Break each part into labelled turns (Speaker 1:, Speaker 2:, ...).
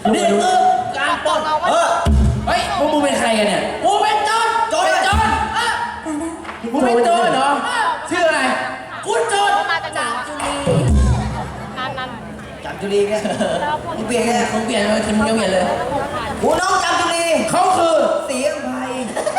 Speaker 1: นี่คือการปล้นเฮ้ยพวกมึงเป็นใครกันเนี่ยกูเป็นโจรเป็นโจรมึงเป็นโจรเหรอชื่ออะไรกูโจร
Speaker 2: จำจุลีเนี่ยมึงเปลี่ยนไงมึงเปลี่ยนเลยมึงเปลี่ยนเลยกูน้องจำจุลี
Speaker 1: เขาคือ
Speaker 2: สีอัมภัย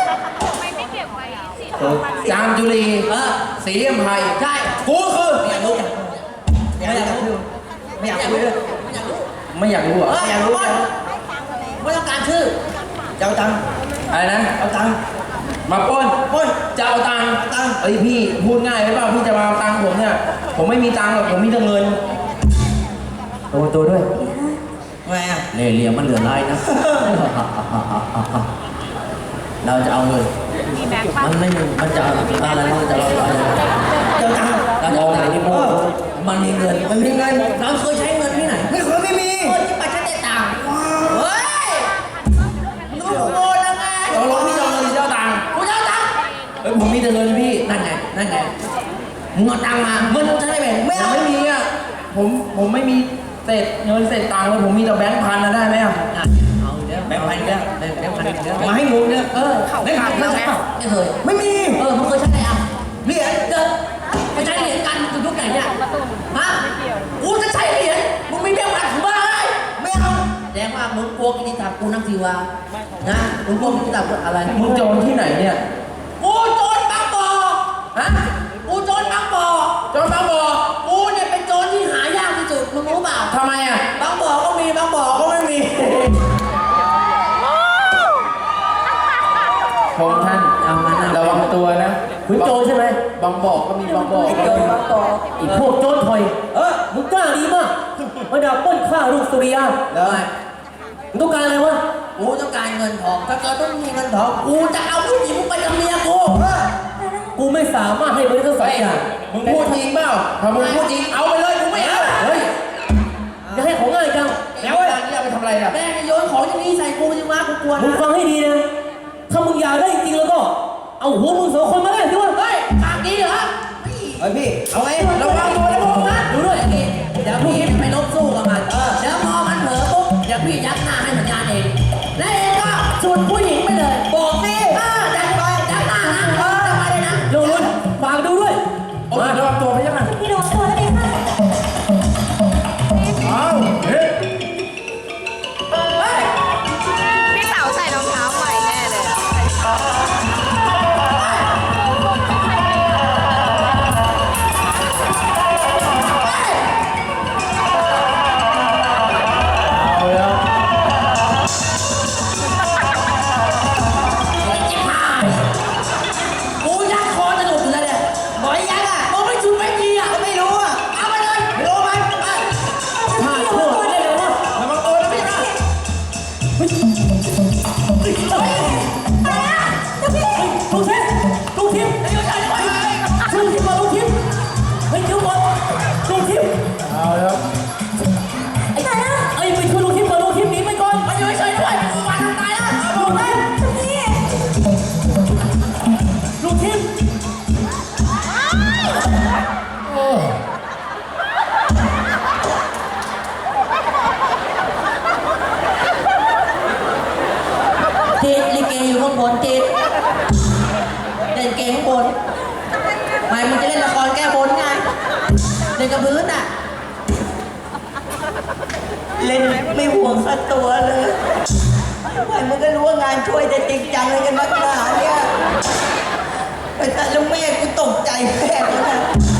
Speaker 1: จามจุลีสีอัมภัยใช่กูคือ
Speaker 2: ไม่อยากรู้ไม่อยากรู้ไม่อยากคุยเลย
Speaker 1: ไม่อยากรู้เหรอ
Speaker 2: ไม่อยากรู้ไม่ต้องการชื่อจะเอาตังค์
Speaker 1: อะไรนะ
Speaker 2: เอาตังค์
Speaker 1: มาปล้นจะเอาตังค์เอ้ยพี่พูดง่ายไหมเปล่าพี่จะมาเอาตังค์ผมเนี่ยผมไม่มีตังค์หรอกผมมีแต่เงินตัวด้วย
Speaker 2: ทำไมอ่ะ
Speaker 1: เล่ห์เหลี่ยมมันเหลือลายนะเราจะเอาเงินมันไม่มันจะอะไรมันจะเรา
Speaker 2: เจ้าตังค์
Speaker 1: เราจะเอาตังค์ที่พ่อมันมีเงิน
Speaker 2: เราเคยใช้เงินที่ไหนไม่เคยไม่มีที่ปัจจัยต่างเฮ้ยลูกโง่แล้วไง
Speaker 1: เราลงพี่จะเอาเงินเจ้าตังค์
Speaker 2: กูเจ้าตังค์
Speaker 1: เฮ้ยผมมีแต่เงินพี่นั่นไง
Speaker 2: มึงเอาตังค์มาเงินใช่ไหม
Speaker 1: ไม่เอาไม่มีอ่ะผมไม่มีเศษเงินเศษตังค์เลยผมมีแต่แบงค์พันนะได้ไหมอ่ะ
Speaker 2: เอาเดี๋ยวแบงค์พันเดี๋ยวแบงค์พันเดี๋ยว
Speaker 1: มาให้หมูเนี่ย
Speaker 2: แบงค์พันไม่ใช่ไม่เคย
Speaker 1: ไม่มี
Speaker 2: มึงเคยใช้ไหนอ่ะเหรียญเดินไปใช้เหรียญกันยุคไหนเนี่ยฮะกูจะใช้เหรียญมึงไม่แบงค์พันกูบ้าเลยไม่เอาแสดงว่ามึงกลัวกินตับกูนั่งทีวานะมึงกลัวกินตับอะไร
Speaker 1: มึงโจรที่ไหนเนี่ย
Speaker 2: กูโจรบางบ่อฮะกูโจรบางบ่อกูเนี่ยเป็นโจรที่หายากที่สุดมึงรู้เปล่า
Speaker 1: ทำไมอ่ะ
Speaker 2: บางบ่อก็มีบางบ่อก็ไม่มี
Speaker 1: ผมท่านระวังตัวนะ
Speaker 2: คุณโจรใช่ไหม
Speaker 1: บางบ่อก็มีบางบ่อ
Speaker 2: โจรบางบ่อ
Speaker 3: อีกพวกโจรถอยมึงกล้าดีมากมาดับปล้นฆ่าลูกสุริยา
Speaker 2: ได้
Speaker 3: มึงต้องการอะไรวะ
Speaker 2: กูต้องการเงินทองถ้าเกิดต้องมีเงินทองกูจะเอาผู้หญิงไปกับเมีย
Speaker 3: กูไม่สามารถให้มึงทั้งสองอย่าง
Speaker 1: มึงพูดจริงเปล่าถ้ามึงพูดจริงเอาไปเลยกูไม่เอา
Speaker 3: เฮ้ยจะให้ของง่ายจัง
Speaker 1: แล้วไอ้นี่เอาไปทำอะไรล่ะ
Speaker 2: แม่โยนของอย่างนี้ใส่กูจริงวะกูกลัวนะ
Speaker 3: มึงฟังให้ดีนะถ้ามึงอยากได้จริงแล้วก็เอาหัวมึงสองคนมาได้สิวะ
Speaker 2: เฮ้ยปากดีเหรอ
Speaker 1: เฮ้ยพี่เอาไง
Speaker 2: ระวังตัวนะพวกนั้นดูด้วยอย่างนี้เดี๋ยวพี่ไปลบสู้กับมันเดี๋ยวพอมันเผลอปุ๊บเดี๋ยวพี่ยักหน้าให้สัญญาณเองและเองก็ฉุดผู้หญิงไปเลยบอกสิจัดไปยักหน้านะจะมาเลยนะ
Speaker 3: โยนฝากดูด้วย
Speaker 1: มาระวังตัวไปยังไง
Speaker 4: พี่ระวังตัวแล้วเองค่ะ
Speaker 1: เอาเฮ้ย
Speaker 4: พี่สาวใส่รองเท้าใหม่แน่เลย
Speaker 2: กูยักคอจะหลุดอยู่แล้วเนี่ยบอกยักมึงไม่ชุดไม่ดีไม่รู้เอาไปเลยไม่รู้มัน
Speaker 3: ถ้าโทษได้เลยวะ
Speaker 1: ระวังตัวนะพี่นะ
Speaker 3: ลูกทิพย์มาลูกทิพย์เฮ้ยเดี๋ยวก่อนลูกทิพย์
Speaker 1: เอาแล้ว
Speaker 3: ไปช่วยลูกทิพย์ก่อนลูกทิพย์หนีไปก่อน
Speaker 2: มันอยู่เฉยๆด้วยกูมาทำตายแล้วบอกเลย
Speaker 3: ลูกทิพย์
Speaker 2: ติดลิเกอยู่ข้างบนติดเล่นเกมข้างบนไม่มึงจะเล่นละครแก้บนไงเล่นกับพื้นเล่นไม่ห่วงสักตัวเลยไม่มึงก็รู้ว่างานช่วยจะจริงจังเลยกันนักหนาเนี่ยแต่ลุงแม่กูตกใจแม่เลยนะ